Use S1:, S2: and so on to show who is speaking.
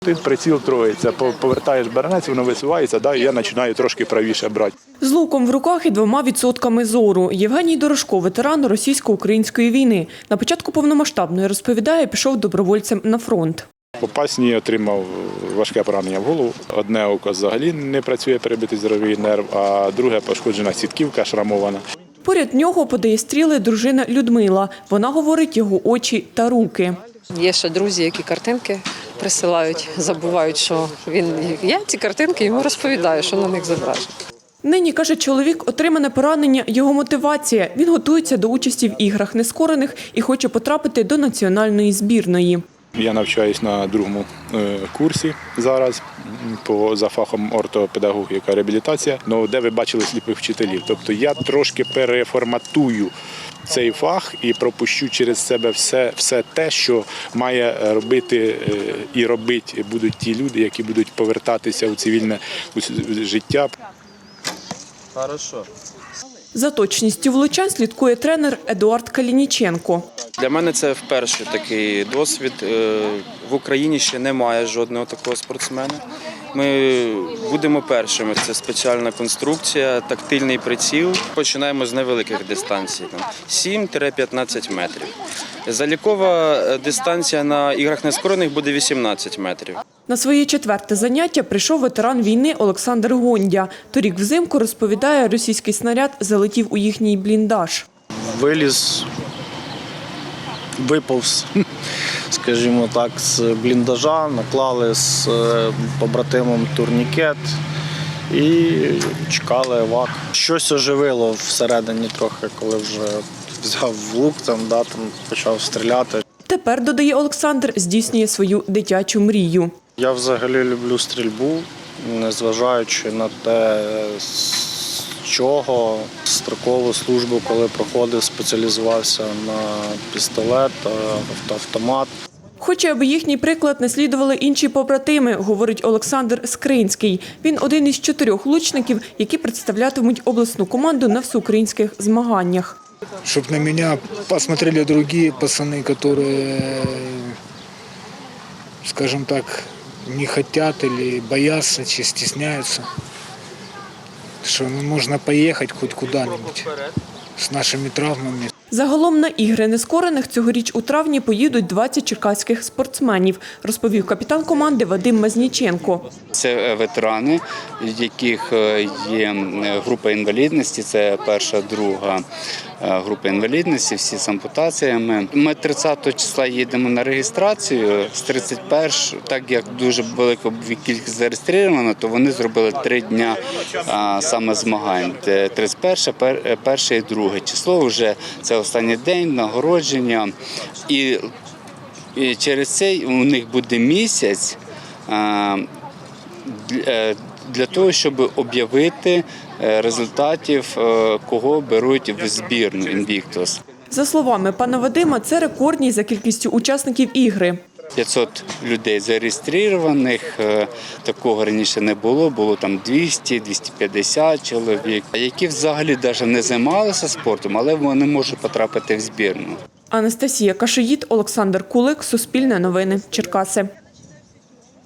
S1: Ти приціл троїться, повертаєш баранець, воно висувається, і я починаю трошки правіше брати.
S2: З луком в руках і 2% зору. Євгеній Дорошко – ветеран російсько-української війни. На початку повномасштабної, розповідає, пішов добровольцем на фронт.
S1: Попасні отримав важке поранення в голову. Одне око взагалі не працює, перебитий зоровий нерв, а друге пошкоджена сітківка шрамована.
S2: Поряд нього подає стріли дружина Людмила. Вона говорить його очі та руки.
S3: Є ще друзі, які картинки присилають, забувають, що він є. Ці картинки йому розповідаю, що на них зображено.
S2: Нині, каже чоловік, отримане поранення – його мотивація. Він готується до участі в іграх нескорених і хоче потрапити до національної збірної.
S1: Я навчаюсь на другому курсі зараз за фахом ортопедагогіка, реабілітація, де ви бачили сліпих вчителів. Тобто я трошки переформатую цей фах і пропущу через себе все те, що має робити і робити будуть ті люди, які будуть повертатися у цивільне життя.
S4: Хорошо.
S2: За точністю влучань слідкує тренер Едуард Калініченко.
S4: Для мене це вперше такий досвід. В Україні ще немає жодного такого спортсмена. Ми будемо першими. Це спеціальна конструкція, тактильний приціл. Починаємо з невеликих дистанцій, 7-15 метрів. Залікова дистанція на іграх нескорених буде 18 метрів.
S2: На своє 4-те заняття прийшов ветеран війни Олександр Гондя. Торік взимку, розповідає, російський снаряд залетів у їхній бліндаж.
S5: Виліз, виповз, скажімо так, з бліндажа, наклали з побратимом турнікет і чекали евак. Щось оживило всередині трохи, коли вже взяв лук, там почав стріляти. Тепер,
S2: додає Олександр, здійснює свою дитячу мрію.
S5: Я взагалі люблю стрільбу, незважаючи на те, з чого. Строкову службу, коли проходив, спеціалізувався на пістолет та автомат.
S2: Хоче, аби їхній приклад наслідували інші побратими, говорить Олександр Скринський. Він один із 4 лучників, які представлятимуть обласну команду на всеукраїнських змаганнях.
S6: Щоб на мене посмотрели інші пацани, які, скажімо так, не хочуть або бояться, чи стісняються. Що можна поїхати хоч куди-небудь з нашими травмами.
S2: Загалом на ігри нескорених цьогоріч у травні поїдуть 20 черкаських спортсменів, розповів капітан команди Вадим Мазніченко.
S7: Це ветерани, в яких є група інвалідності, це перша, друга група інвалідності, всі з ампутаціями. Ми 30 числа їдемо на реєстрацію, з 31, так як дуже велика кількість зареєстровано, то вони зробили 3 дня саме змагань. 31, 1 і 2 число вже це останній день нагородження. І через це у них буде місяць для того, щоб об'явити результатів, кого беруть в збірну «Інвіктус».
S2: За словами пана Вадима, це рекордні за кількістю учасників ігри.
S7: 500 людей зареєстрованих, такого раніше не було, було там 200-250 чоловік, які взагалі навіть не займалися спортом, але вони можуть потрапити в збірну.
S2: Анастасія Кашиїд, Олександр Кулик, Суспільне новини, Черкаси.